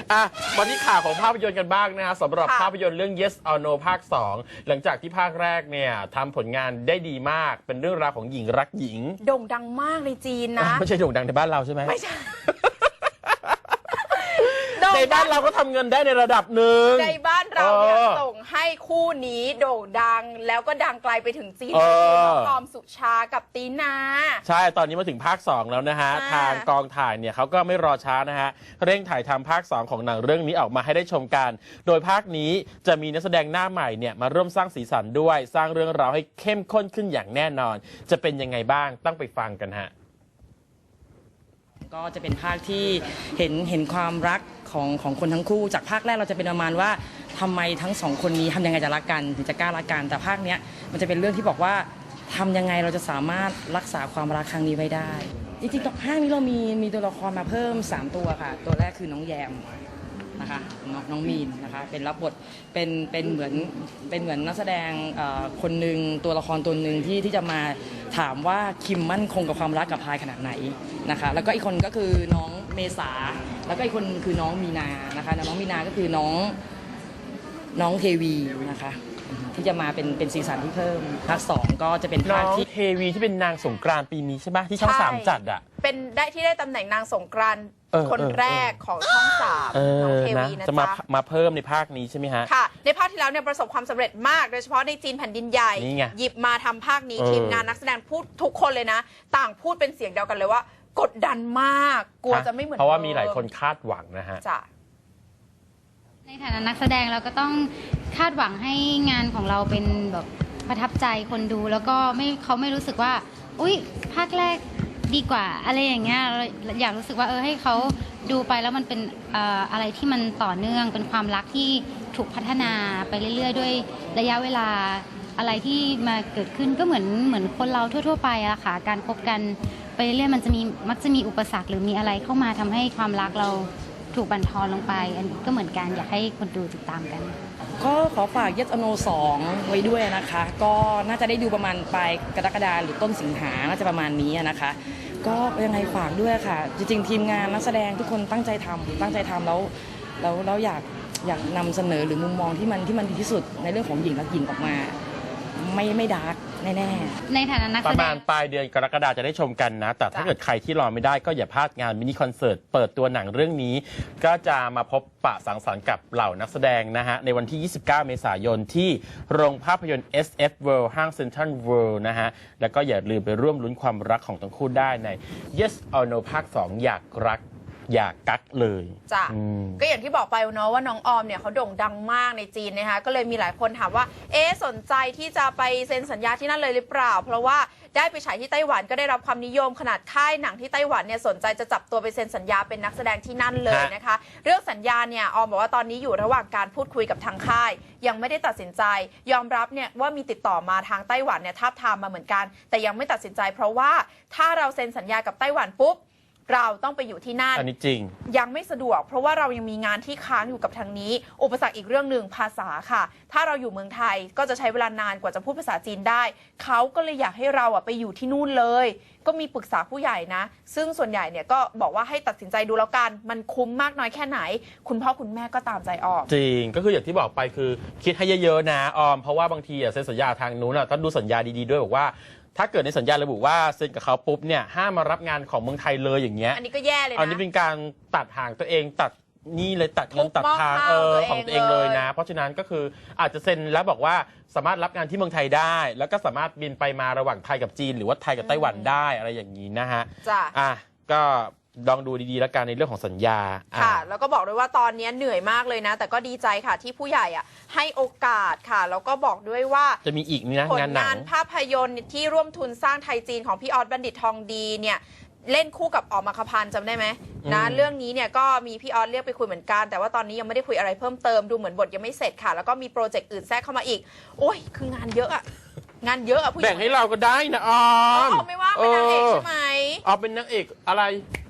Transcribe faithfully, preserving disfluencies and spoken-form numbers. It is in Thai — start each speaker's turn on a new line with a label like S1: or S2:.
S1: อ่ะมาที่ข่าวของภาพยนตร์กันบ้างนะฮะสำหรับภาพยนตร์เรื่อง Yes or No ภาคสองหลังจากที่ภาคแรกเนี่ยทำผลงานได้ดีมากเป็นเรื่องราวของหญิงรักหญิง
S2: โด่งดังมากในจีนนะ
S1: ไม่ใช่โด่งดังในบ้านเราใช่ไหม
S2: ไม่ใช่
S1: ในบ้านเราก็ทำเงินได้ในระดับหนึ่ง
S2: ในบ้านเราเนี่ยส่งให้คู่นี้โด่งดังแล้วก็ดังไกลไปถึงจีนคือน้องออมสุชากับตีนา
S1: ใช่ตอนนี้มาถึงภาคสองแล้วนะฮะทางกองถ่ายเนี่ยเขาก็ไม่รอช้านะฮะเร่งถ่ายทำภาคสองของหนังเรื่องนี้ออกมาให้ได้ชมกันโดยภาคนี้จะมีนักแสดงหน้าใหม่เนี่ยมาร่วมสร้างสีสันด้วยสร้างเรื่องราวให้เข้มข้นขึ้นอย่างแน่นอนจะเป็นยังไงบ้างต้องไปฟังกันฮะ
S3: ก็จะเป็นภาคที่เห็นเห็นความรักของของคนทั้งคู่จากภาคแรกเราจะเป็นประมาณว่าทำไมทั้งสองคนนี้ทำยังไงจะรักกันถึงจะกล้ารักกันแต่ภาคเนี้ยมันจะเป็นเรื่องที่บอกว่าทำยังไงเราจะสามารถรักษาความรักครั้งนี้ไว้ได้จริงๆภาคนี้เรามีมีตัวละครมาเพิ่มสามตัวค่ะตัวแรกคือน้องแยมนะคะน้องน้องมีนนะคะเป็นรับบทเป็นเป็นเหมือนเป็นเหมือนนักแสดงคนหนึ่งตัวละครตัวหนึ่งที่ที่จะมาถามว่าคิมมั่นคงกับความรักกับพายขนาดไหนนะคะแล้วก็อีกคนก็คือน้องเมษาแล้วก็อีกคนคือน้องมีนานะคะน้องมีนาก็คือน้องน้องเทวีนะคะที่จะมาเป็นเป็นซีซั่นที่เพิ่มภาคสองก็จะเป็นภาคที่
S1: เทวีที่เป็นนางสงกรานต์ปีนี้ใช่ไหมที่ช่องสามจัดอ่ะ
S2: เป็นได้ที่ได้ตำแหน่งนางสงกรานต์คนแรกของช่องสามน้องเทวีนะ
S1: จะมามาเพิ่มในภาคนี้ใช่ไหมฮะ
S2: ค่ะในภาคที่แล้วเนี่ยประสบความสำเร็จมากโดยเฉพาะในจีนแผ่นดินใหญ่หยิบมาทำภาคนี้ทีมงานนักแสดงพูดทุกคนเลยนะต่างพูดเป็นเสียงเดียวกันเลยว่ากดดันมากกลัวจะไม่เหมือน
S1: เพราะว่ามีหลายคนคาดหวังนะฮะ
S4: ในฐานะนักแสดงเราก็ต้องคาดหวังให้งานของเราเป็นแบบประทับใจคนดูแล้วก็ไม่เขาไม่รู้สึกว่าอุ๊ยภาคแรกดีกว่าอะไรอย่างเงี้ยเราอยากรู้สึกว่าเออให้เขาดูไปแล้วมันเป็นเอ่ออะไรที่มันต่อเนื่องเป็นความรักที่ถูกพัฒนาไปเรื่อยๆด้วยระยะเวลาอะไรที่มาเกิดขึ้นก็เหมือนเหมือนคนเราทั่วๆไปอะค่ะการคบกันไปเรื่อยๆมันจะมีมักจะมีอุปสรรคหรือมีอะไรเข้ามาทำให้ความรักเราถูกบั่นทอนลงไปอันนี้ก็เหมือนกันอยากให้คนดูติดตามกัน
S3: ก็ขอฝาก Yes or No สองไว้ด้วยนะคะก็น่าจะได้ดูประมาณปลายกรกฎาคมหรือต้นสิงหาน่าจะประมาณนี้นะคะก็ยังไงฝากด้วยค่ะจริงๆทีมงานนักแสดงทุกคนตั้งใจทำตั้งใจทำแล้วแล้วแล้วอยากอยากนำเสนอหรือมุมมองที่มันที่มันดีที่สุดในเรื่องของหญิงรักหญิงออกมาไม่ไม่ดาร์กแน่
S4: ๆในฐานะนักแสดง
S1: ประมาณปลายเดือนกรกฎาคมจะได้ชมกันนะแต่ถ้าเกิดใครที่รอไม่ได้ก็อย่าพลาดงานมินิคอนเสิร์ตเปิดตัวหนังเรื่องนี้ก็จะมาพบปะสังสรรค์กับเหล่านักแสดงนะฮะในวันที่ ยี่สิบเก้า เมษายนที่โรงภาพยนตร์ เอส เอฟ World ห้าง Central World นะฮะแล้วก็อย่าลืมไปร่วมลุ้นความรักของทั้งคู่ได้ใน Yes or No ภาคสองอยากรักอยากกักเลย
S2: จ้ะก็อย่างที่บอกไปเนาะว่าน้องออมเนี่ยเขาโด่งดังมากในจีนนะคะก็เลยมีหลายคนถามว่าเอ๊ะสนใจที่จะไปเซ็นสัญญาที่นั่นเลยหรือเปล่าเพราะว่าได้ไปฉายที่ไต้หวันก็ได้รับความนิยมขนาดค่ายหนังที่ไต้หวันเนี่ยสนใจจะจับตัวไปเซ็นสัญญาเป็นนักแสดงที่นั่นเลยนะคะเรื่องสัญญาเนี่ยออมบอกว่าตอนนี้อยู่ระหว่างการพูดคุยกับทางค่ายยังไม่ได้ตัดสินใจยอมรับเนี่ยว่ามีติดต่อมาทางไต้หวันเนี่ยทาบทามมาเหมือนกันแต่ยังไม่ตัดสินใจเพราะว่าถ้าเราเซ็นสัญญากับไต้หวันปุ๊บเราต้องไปอยู่ที่นั่น
S1: อันนี้จริง
S2: ยังไม่สะดวกเพราะว่าเรายังมีงานที่ค้างอยู่กับทางนี้อุปสรรคอีกเรื่องหนึ่งภาษาค่ะถ้าเราอยู่เมืองไทยก็จะใช้เวลานานกว่าจะพูดภาษาจีนได้เขาก็เลยอยากให้เราอะไปอยู่ที่นู่นเลยก็มีปรึกษาผู้ใหญ่นะซึ่งส่วนใหญ่เนี่ยก็บอกว่าให้ตัดสินใจดูแล้วกันมันคุ้มมากน้อยแค่ไหนคุณพ่อคุณแม่ก็ตามใจออก
S1: จริงก็คืออย่างที่บอกไปคือคิดให้เยอะๆนะออมเพราะว่าบางทีอะเซ็นสัญญาทางนู้นอะต้องดูสัญญาดีๆด้วยบอกว่าถ้าเกิดในสัญญาระบุว่าเซ็นกับเขาปุ๊บเนี่ยห้ามมารับงานของเมืองไทยเลยอย่างเงี้ย
S2: อันนี้ก็แย่เลยนะ
S1: อันนี้เป็นการตัดห่างตัวเองตัดนี่เลยตัดเงินตัดทางเออของตัวเองเลยนะเพราะฉะนั้นก็คืออาจจะเซ็นแล้วบอกว่าสามารถรับงานที่เมืองไทยได้แล้วก็สามารถบินไปมาระหว่างไทยกับจีนหรือว่าไทยกับไต้หวันได้อะไรอย่างนี้นะฮะ
S2: จ้ะ
S1: อ่ะก็ลองดูดีๆแล้วกันในเรื่องของสัญญา
S2: ค่ะแล้วก็บอกด้วยว่าตอนนี้เหนื่อยมากเลยนะแต่ก็ดีใจค่ะที่ผู้ใหญ่อ่ะให้โอกาสค่ะแล้วก็บอกด้วยว่า
S1: จะมีอีกนี่นะ
S2: ผลงานภาพยนตร์ที่ร่วมทุนสร้างไทยจีนของพี่ออสบัณฑิตทองดีเนี่ยเล่นคู่กับออมอัครพันธ์จำได้ไหมนะเรื่องนี้เนี่ยก็มีพี่ออสเรียกไปคุยเหมือนกันแต่ว่าตอนนี้ยังไม่ได้คุยอะไรเพิ่มเติมดูเหมือนบทยังไม่เสร็จค่ะแล้วก็มีโปรเจกต์อื่นแทรกเข้ามาอีกโอ้ยคืองานเยอะอะงานเยอะอะผู้หญิง
S1: แบ่งให้เราก็ได้นะออม
S2: ออมไม่ว่าเป็นนางเอกใช่ไหม
S1: ออมเป็นนางเอกอะไร